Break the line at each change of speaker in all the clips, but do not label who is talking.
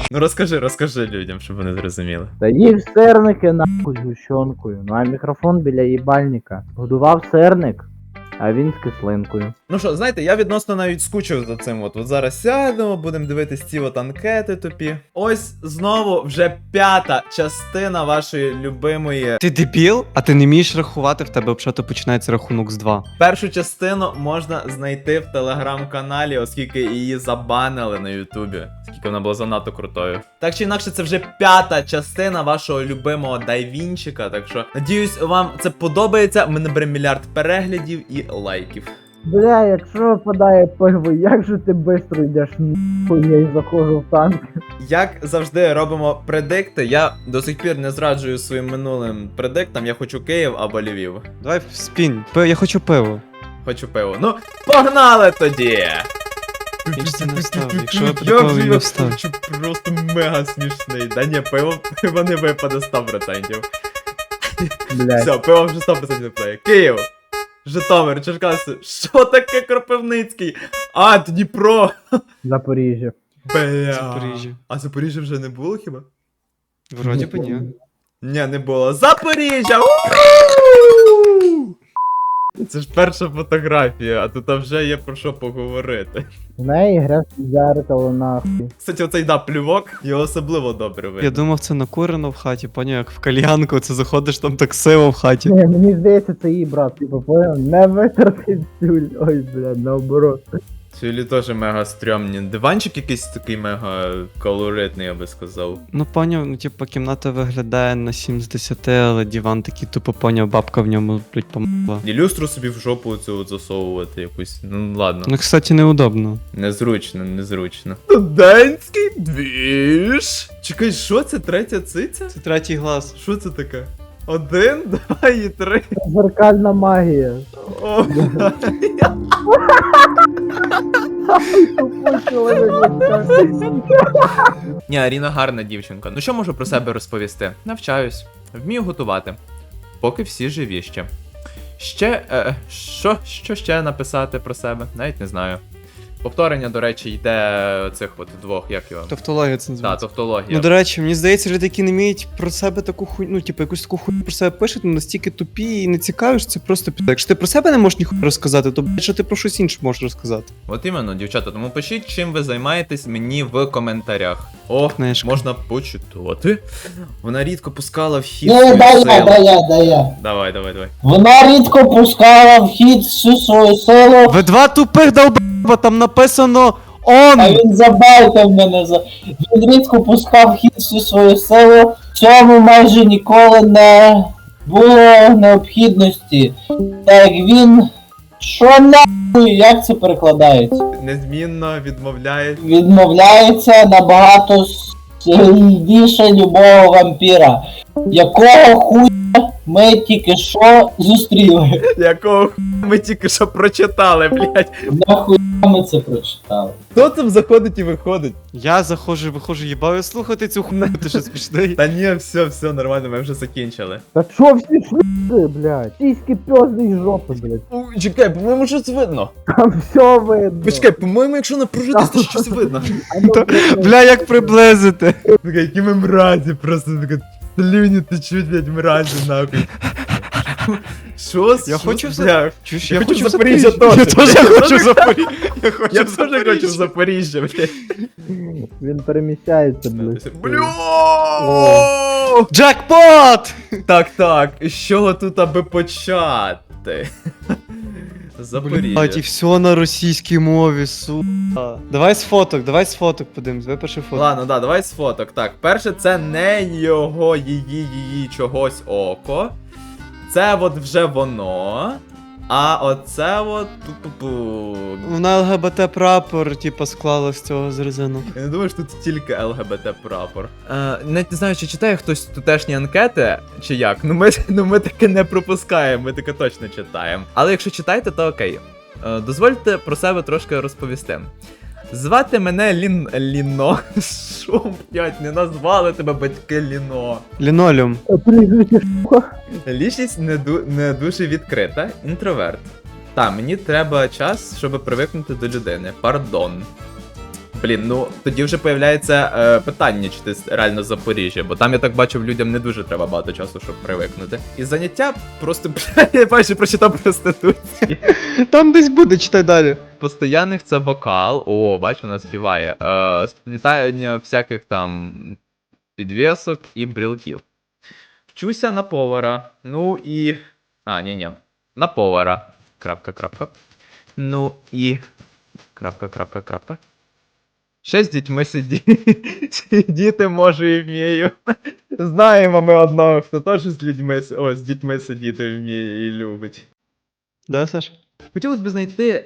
Ну розкажи людям, щоб вони зрозуміли.
Та їв сирники нахуй з гущонкою. Ну а мікрофон біля їбальника. Годував сирник, а він з кислинкою.
Ну що, знаєте, я відносно навіть скучив за цим. От зараз сядемо, будемо дивитись ці от анкети тупі. Ось знову вже 5-та частина вашої любимої.
Ти дебіл? А ти не вмієш рахувати, в тебе взагалі починається рахунок з 2.
Першу частину можна знайти в телеграм-каналі, оскільки її забанили на Ютубі. Оскільки вона була занадто крутою. Так чи інакше, це вже 5-та частина вашого любимого дайвінчика. Так що, надіюсь, вам це подобається. Ми наберемо мільярд переглядів і лайків.
Бля, якщо випадає пиво, як же ти швидко йдеш нахуй, я й заходжу в танк.
Як завжди робимо предикти, я до сих пір не зраджую своїм минулим предиктам, я хочу Київ або Львів.
Давай в спін. Я хочу пиво.
Хочу пиво. Ну, погнали тоді!
Я ж це не встав. Якщо я
Як
прикол,
же
він
я
не встав.
хочу, просто мега смішний. Да ні, пиво не випаде 100%.
Блядь.
Все, пиво вже 100% випадає. Київ! Житомир, Черкаси. Що таке Кропивницький? А, Дніпро!
Запоріжжя.
Бля.
Запоріжжя.
А Запоріжжя вже не було хіба?
Вроді би ні.
Ні, не було. Запоріжжя! У-у-у! Це ж перша фотографія, а тут вже є про що поговорити.
В неї грязь зеркало нахуй.
Кстати, оцей плювок, його особливо добре
Я
видно.
думав, це накурено в хаті, поняв, як в кальянку, це заходиш там так сиво в хаті.
Ні, мені здається, це її брат, типу, поняв? Не витратить цю, ой, бля, наоборот.
Цілі теж мега стрьомні. Диванчик якийсь такий мега колоритний, я би сказав.
Ну поняв, ну типу кімната виглядає на 7 з 10, але диван такий тупо поняв, бабка в ньому, блять, помогла.
І люстру собі в жопу цю от засовувати якусь. Ну ладно.
Ну, кстати, неудобно.
Незручно. Студентський двіж! Чекай, що це? Третя циця?
Це третій глаз.
Що це таке? 1, 2 і 3.
Зеркальна магія.
О, Ні, Аріна гарна дівчинка. Ну що можу про себе розповісти? Навчаюсь. Вмію готувати. Поки всі живі ще. Що ще написати про себе? Навіть не знаю. Повторення, до речі, йде цих от двох, як його?
Тавтологія це
Так,
називається.
тавтологія.
Ну, до речі, мені здається, люди, які не вміють про себе таку хуйню, ну, типу, якусь таку хуйню про себе пишуть, ну, настільки тупі і не цікаві, що це просто піде. Якщо ти про себе не можеш ніхуя розказати, то блядь, що ти про щось інше можеш розказати.
От іменно, дівчата, тому пишіть, чим ви займаєтесь мені в коментарях. О,
Книжка.
можна почитати. Вона рідко пускала в хід
Ну,
свою
да я.
Давай.
Вона рідко пускала в хід всю свою силу,
Ви два тупих долбоба, там написано
а
ОН!
він забайтив мене за. Він рідко пускав в хід всю свою силу, в цьому майже ніколи не було необхідності. Так як він. Що нахуй? Як це перекладається?
Незмінно відмовляє.
Відмовляється набагато сильніше любого вампіра. Якого хуя ми тільки що зустріли?
Якого хуя ми тільки що прочитали, блядь.
Нахуя ми це прочитали?
Хто там заходить і виходить?
Я заходжу, виходжу, їбаю слухати цю хуйню, ти що смішний?
Та ні, все, нормально, ми вже закінчили.
Та чо всі шлюзи, блядь? Сіськи пьозди з жопи, блядь.
Чекай, по-моєму, щось видно.
Там все видно.
Почекай, по-моєму, якщо напружитись, то щось видно.
А ну, блядь,
Бля, як приблизити?
Така, які ми мразі, просто така, слюні течуть, блядь, мразі, нахуй. Що?
Я
Що?
хочу все-
Бля,
Чуєш,
я хочу в Запоріжжя теж.
Я теж хочу в Запоріжжя. Я хочу
Я
в
теж хочу в
Запоріжжя.
Запоріжжя, блядь.
Він переміщається, блядь.
Бля!
Джекпот!
Так, з чого тут аби почати? Запоріжжя.
Блять, і все на російській мові, сука. Давай з фоток подивимось, давай перший фото.
Ладно, да, давай з фоток. Так, перше, це не його, її чогось око. Це от вже воно. А оце от пу-пу-пу.
Вона ЛГБТ прапор, типа, склала з цього з резину.
Я не думаю, що тут тільки ЛГБТ прапор. Навіть не знаю, чи читає хтось тутешні анкети, чи як. Ну ми таке не пропускаємо, ми таке точно читаємо. Але якщо читаєте, то окей. Дозвольте про себе трошки розповісти. Звати мене Ліно. Що, блять, не назвали тебе батьки Ліно.
Лінолеум.
Прізвище шуха.
Лічність не дуже відкрита, інтроверт. Та, мені треба час, щоб привикнути до людини. Пардон. Блін, ну тоді вже появляється питання, чи ти реально з Запоріжжя, бо там я так бачив, людям не дуже треба багато часу, щоб привикнути. І заняття просто, блядь, я майже прочитав проституції.
Там десь буде, читай далі.
Постоянних це вокал. О, бачу, вона співає. Сплітання всяких там підвісок і брілків. Вчуся на повара. Ну і. Ні. На повара. Крапка. Ну і. Крапка. Ще з дітьми сидіти можу і вмію. Знаємо ми одного, хто теж з дітьми сидіти вміє і любить.
Да, Саш?
Хотілося б знайти.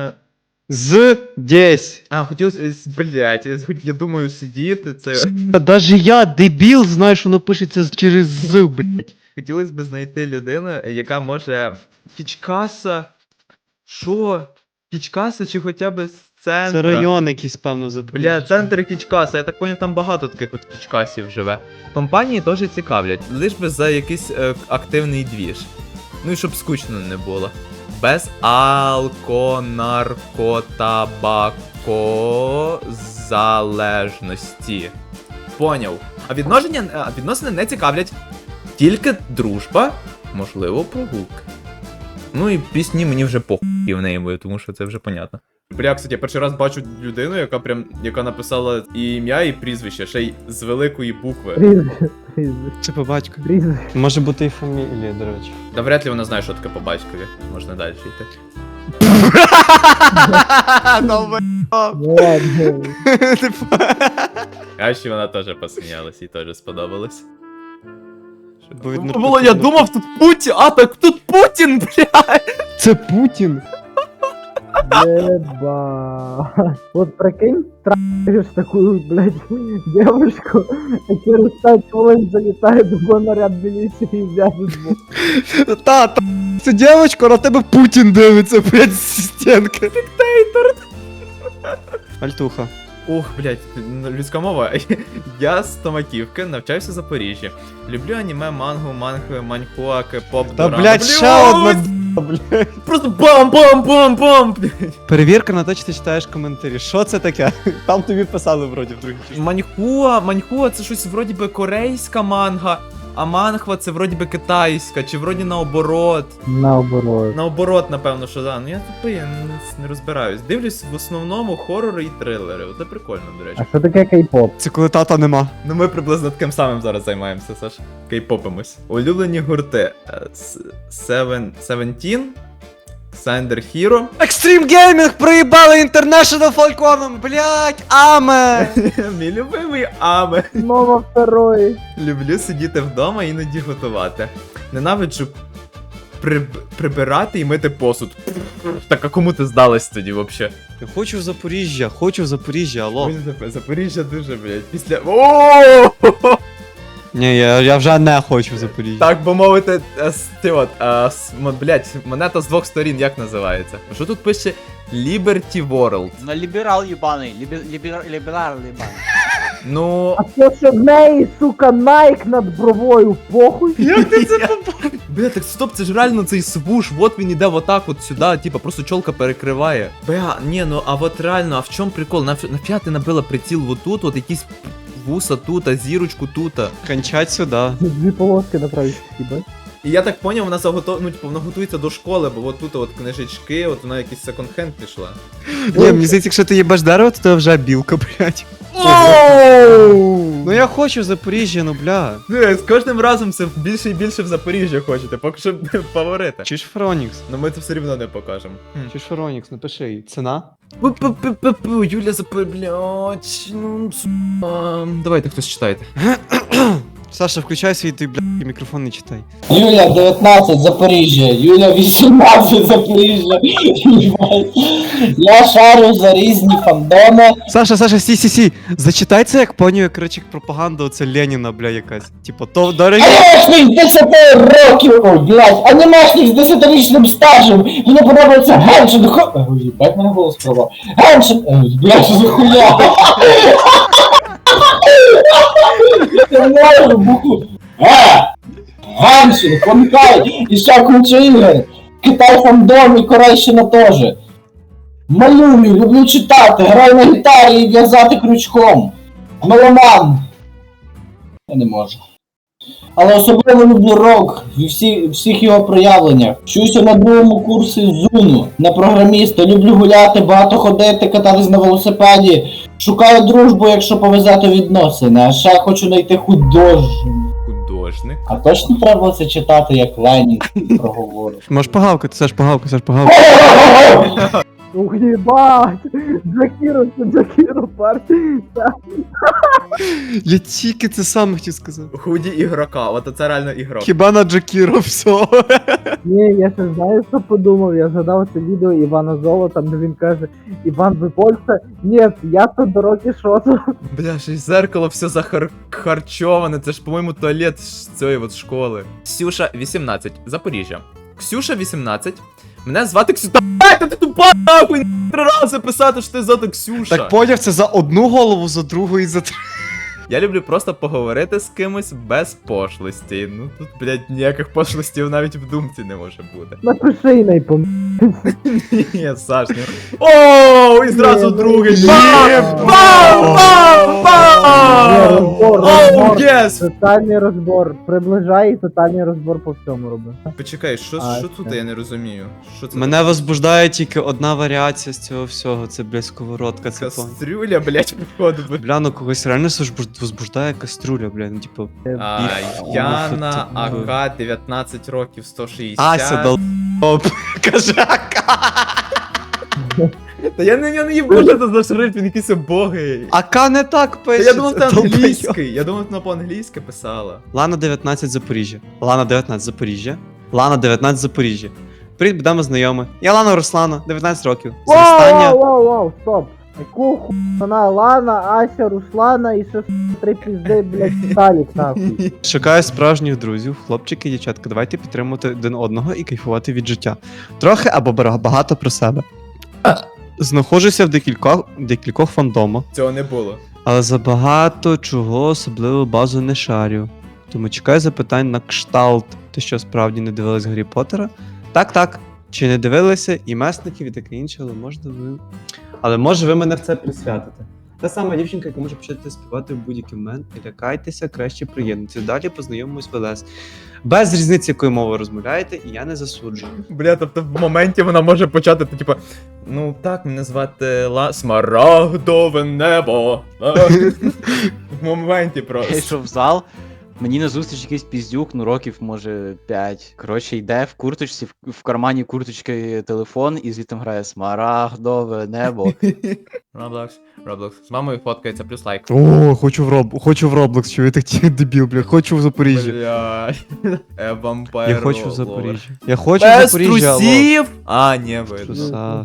Здесь.
Хотілося. Блять, я думаю, сидіти це.
Даже я, дебіл, знаю, що воно пишеться через з, блядь.
Хотілося б знайти людину, яка може. Кічкаса. Що? Кічкаса чи хоча б з центра?
Це район якийсь, певно, Запоріжжя.
Бля, центр Кічкаса, я так поняв, там багато таких от Кічкасів живе. Компанії теж цікавлять, лиш би за якийсь активний двіж. Ну і щоб скучно не було. Без нарко, залежності. Поняв. А відносини не цікавлять. Тільки дружба, можливо, прогулки. Ну і пісні мені вже похуй в неї буде, тому що це вже понятно. Бля, кстати, я перший раз бачу людину, яка написала і ім'я, і прізвище, ще й з великої букви.
Прізвище.
Це по батьку.
Прізвище.
Може бути і фамілія, до речі.
Та вряд ли вона знає, що таке по батькові. Можна далі йти.
Ладно.
А ще вона теж посміялась, їй теж сподобалось.
Бо від
Було, я думав, тут Путін, так тут Путін, бля!
Це Путін.
Еба. Вот прикинь, трахаешь такую, блядь, девушку, а через 5 хвилин залітає до наряд міліції і в'яжуть двох.
Та, це дівчинка, на тебе Путін дивиться, блядь, з стінки. Альтуха.
Ох, блядь, людська мова. Я з Томаківки, навчаюся в Запоріжжі. Люблю аніме, мангу, манхуа, кей-поп,
Та,
дорама.
блядь, ще одна блядь.
Просто бам-бам-бам-бам!
Перевірка на те, чи ти читаєш коментарі. Що це таке? Там тобі писали вроді в другій частині.
Манхуа це щось вроді би корейська манга, а мангва це вроді би китайська, чи вроді наоборот.
Наоборот.
Наоборот, напевно, що да. Ну я тупий, я не розбираюсь. Дивлюсь в основному хорори і трилери. Оце прикольно, до речі.
А що таке кей-поп?
Це коли тата нема.
Ну ми приблизно таким самим зараз займаємося, Саш. Кей-попимось. Улюблені гурти. Seventeen, Thunder Hero.
Extreme Gaming проїбали International Falcoном, блядь, аме!
Мій любимий Аме.
Мова второї.
Люблю сидіти вдома і іноді готувати. Ненавиджу прибирати і мити посуд. Так а кому ти здалась тоді взагалі?
Я хочу в Запоріжжя, алло.
Запоріжжя дуже, блядь, після. О!
Ні, я вже не хочу в Запоріжжя.
Так би мовити, блядь, монета з двох сторін, як називається? Що тут пише Liberty World?
На ліберал їбаний, ліберал їбаний.
Ну.
А це що в неї, сука, Найк над бровою, похуй?
Бля, так стоп, це ж реально цей свуш, вот він іде отак от сюди, типа просто чолка перекриває. Бля, ні, ну а от реально, а в чому прикол? Нафіга ти набила приціл вот тут, от якісь вуса тут, а зірочку тут.
Кончать сюди.
Дві полоски направить, хіба?
І я так поняв, вона вона готується до школи, бо от тут от книжечки, от вона якийсь секонд-хенд пішла.
Ні, мені здається, якщо ти їбаш дерево, то ти вже білка, блядь. Ну я хочу в Запоріжжя, ну бля.
З кожним разом все більше і більше в Запоріжжя хочете, поки що фаворити.
Чи ж Фронікс?
Ну ми це все рівно не покажемо.
Чи ж Фронікс, напиши їй. Ціна?
Юля блядь, ну давайте хтось читайте.
Саша, включай свій той, блядь, мікрофон, не читай.
Юля 19, Запоріжжя. Юля 18, Запоріжжя. Я шарю за різні фандоми.
Саша, сі. Зачитай це, як поняв, коротше, пропаганда оце Леніна, бля, якась. Типа, то, до речі...
Анімешник 10 років, ой, блядь, анімешник з 10-річним стажем. Мені подобається Геншин. Ой, їбать, мене голос провав. Геншин, блядь, що за хуя? Я не можу букву. Геншин, Хонкай і ще куча ігор. Китай фандом і Корейщина теж. Малюю, люблю читати, граю на гітарі і в'язати крючком. Меломан. Я не можу. Але особливо люблю рок в всіх його проявленнях. Вчуся на 2-му курсі ЗУНу на програміста. Люблю гуляти, багато ходити, кататись на велосипеді. Шукаю дружбу, якщо пов'язати відносини. А ще хочу знайти
Художник.
А точно треба було це читати, як Ленін проговорив?
Можеш погавкати, Саш, погавкай.
Ух, ебать! Джакіро, парty.
Я тільки це сам хотів сказати.
Худі ігрока, от це реально ігрок.
Хіба на Джакіро все.
Ні, я ще знаю, що подумав. Я згадав це відео Івана Золота, де він каже: Іван, ви Польща? Ні, я Тодорокі Шоту.
Бля, ще й зеркало все захарчоване, це ж, по-моєму, туалет з цієї от школи. Ксюша, 18, Запоріжжя. Ксюша, 18. Мене звати Ксюша. Та ти тупа, нахуй, 3 рази писати, що ти звати Ксюша.
Так поняв, це за одну голову, за другу і за
Я люблю просто поговорити з кимось без пошлості. Ну тут, блядь, ніяких пошлостів навіть в думці не може бути.
Напиши і найпом.
Ні, Саш, не. О, і зразу
Ні,
другий.
ні.
Бам! Бам! Бам! Бам!
Розбор,
Оу,
розбор.
єс!
Тотальний розбор. Приближай і тотальний розбор по всьому роби.
Почекай, що
А,
тут
це.
я не розумію? Що це?
Мене возбуждає тільки одна варіація з цього всього, це, блядь, сковородка, це поняв.
Кастрюля, блядь, походу.
Бля, ну когось реально возбуждає кастрюля, бля, ну типу.
А,
Їх-
Яна,
Ох,
АК, 19 років, 160.
Ася дал. Каже АК.
Та я не їбу, що це за шрифт, він якийсь убогий.
АК не так
Та
пише.
я думав, це
долбойоб.
англійський. Я думав, вона по-англійськи писала.
Лана 19 Запоріжжя. Лана 19 Запоріжжя. Лана 19 Запоріжжя. Привіт, будемо знайомі. Я Лана Руслана, 19 років. Зростання.
Вау, стоп. Яку ху... Вона Лана, Ася, Руслана і ще 3 пізди, блядь, Сталік, нахуй.
Шукаю справжніх друзів, хлопчики і дівчатка. Давайте підтримувати один одного і кайфувати від життя. Трохи або багато про себе. Знаходжуся в декількох фандомах,
Цього не було.
але забагато чого особливо базу не шарю. Тому чекаю запитань на кшталт. Ти що, справді не дивились Гаррі Поттера? Так. Чи не дивилися і месників, і таке інше, але може ви мене в це присвятите. Та сама дівчинка, яка може почати співати в будь-який момент, не лякайтеся, краще приєднуйтесь. Далі познайомимось в ЛС. Без різниці, якою мовою розмовляєте, і я не засуджую.
Бля, тобто в моменті вона може почати, типа, ну так, мене звати Смарагдове небо. В моменті
Я
просто.
йшов в зал, мені на зустріч якийсь піздюк, ну років, може, 5. Коротше, йде в курточці, в кармані курточки телефон, і звідти грає Смарагдове небо.
Roblox. З мамою фоткається, плюс лайк.
О, хочу в Roblox, чую, так дебіл, бля, хочу в Запоріжжя.
Бля. Вампайр.
Я хочу в Запоріжжя. Я хочу в
Без
Запоріжжя, алло.
трусів! А, не видно.
Труса.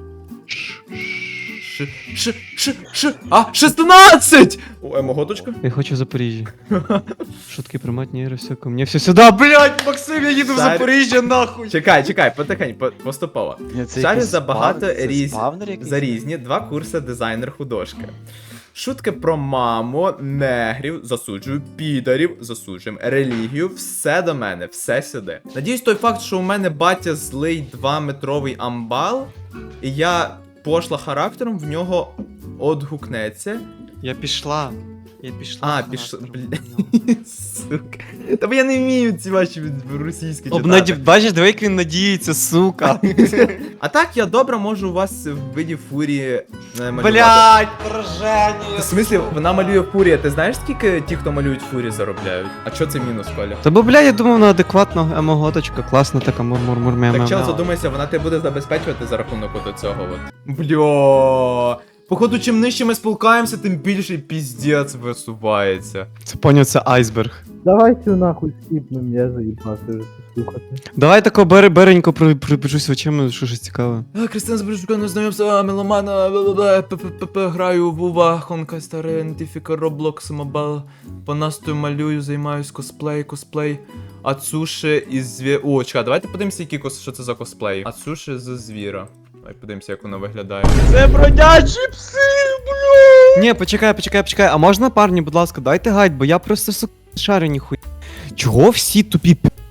А, 16! О, емоготочка?
Я хочу в Запоріжжя. Шутки про мать, не все ко мне. Все сюда, блядь, Максим, я їду в
Шарі.
Запоріжжя, нахуй.
Чекай, потихень, поступово.
Це
Шарю
якийсь
забагато
це
різ...
спавнер якийсь?
за різні 2 курси дизайнер-художки. Шутки про маму, негрів, засуджую, підарів, засуджуємо, релігію, все до мене, все сюди. Надіюсь, той факт, що у мене батя злий 2-метровий амбал, і я пошла характером, в нього одгукнеться.
Я пішла.
А, пішла, бля. Сука. Та бо я не вмію ці ваші російські читати.
Бачиш, диви, як він надіється, сука.
А так я добре можу у вас в виді фурії малювати.
Блядь, пораження.
В смислі, вона малює фурія. Ти знаєш, скільки ті, хто малюють фурі, заробляють? А чо це мінус, Коля?
Та бо, блядь, я думав на адекватно, емоготочка, класна така, мур-мур-мур-мя-мя.
Так чел, задумайся, вона тебе буде забезпечувати за рахунок от цього от. Бля. Походу, чим нижче ми спілкаємося, тим більший піздець висувається.
Це поняв, це айсберг.
Давай цю нахуй скіпнем, я заїбався вже слухати.
Давай тако беренько пробіжусь очима, що щось цікаве.
Кристина Збрижука, не знайомся, меломана, граю в Ува, Хонка, старий, ідентифіка, Roblox, мобайл, по настою малюю, займаюсь косплей, Ацуши із звіра. О, чекай, давайте подивимося, що це за косплей. Ацуши з звіра. Давай подивимося, як воно виглядає. Це бродячі пси, бля!
Ні, почекай, а можна, парні, будь ласка, дайте гайд, бо я просто шарю ніхуя. Чого всі тупі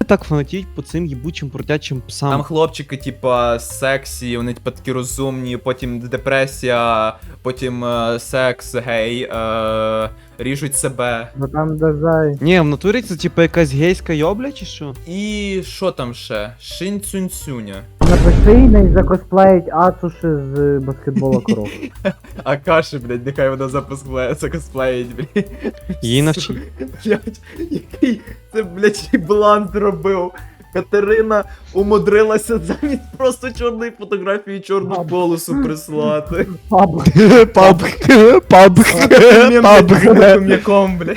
Так фанатіть по цим їбучим портячим псам.
Там хлопчики, типа, сексі, вони типа такі розумні, потім депресія, потім секс, гей, ріжуть себе.
Бо там даже...
Ні, в натурі це типу якась гейська йобля чи що?
І що там ще? Шинцюнцюня.
Напиши і не закосплеїть Ацуши з баскетбола коров.
А каші, блядь, нехай вона закосплеїть, блядь.
Її навчи.
Блядь, який це, блядь, блан зробив. Катерина умудрилася замість просто чорної фотографії чорну полосу прислати.
Паб.
Паб. Паб. Паб.
М'яком, блядь.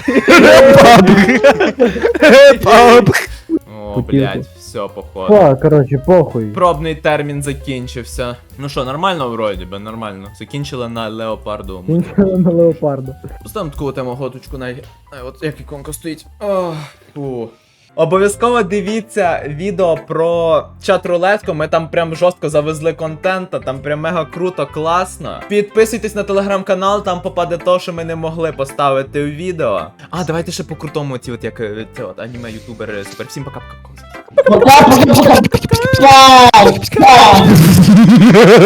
Паб.
О, блядь, все, походу.
О, короче, похуй.
Пробний термін закінчився. Ну що, нормально вроді би, нормально. Закінчили на леопарду.
Кінчили на леопарда.
Поставимо таку тему готочку на от як іконка стоїть. Ох, фу. Обов'язково дивіться відео про чат-рулетку, ми там прям жорстко завезли контента, там прям мега круто, класно. Підписуйтесь на телеграм-канал, там попаде то, що ми не могли поставити в відео. А, давайте ще по крутому ці от як ці от аніме-ютубери. Супер, всім пока-пока.
Пока-пока-пока.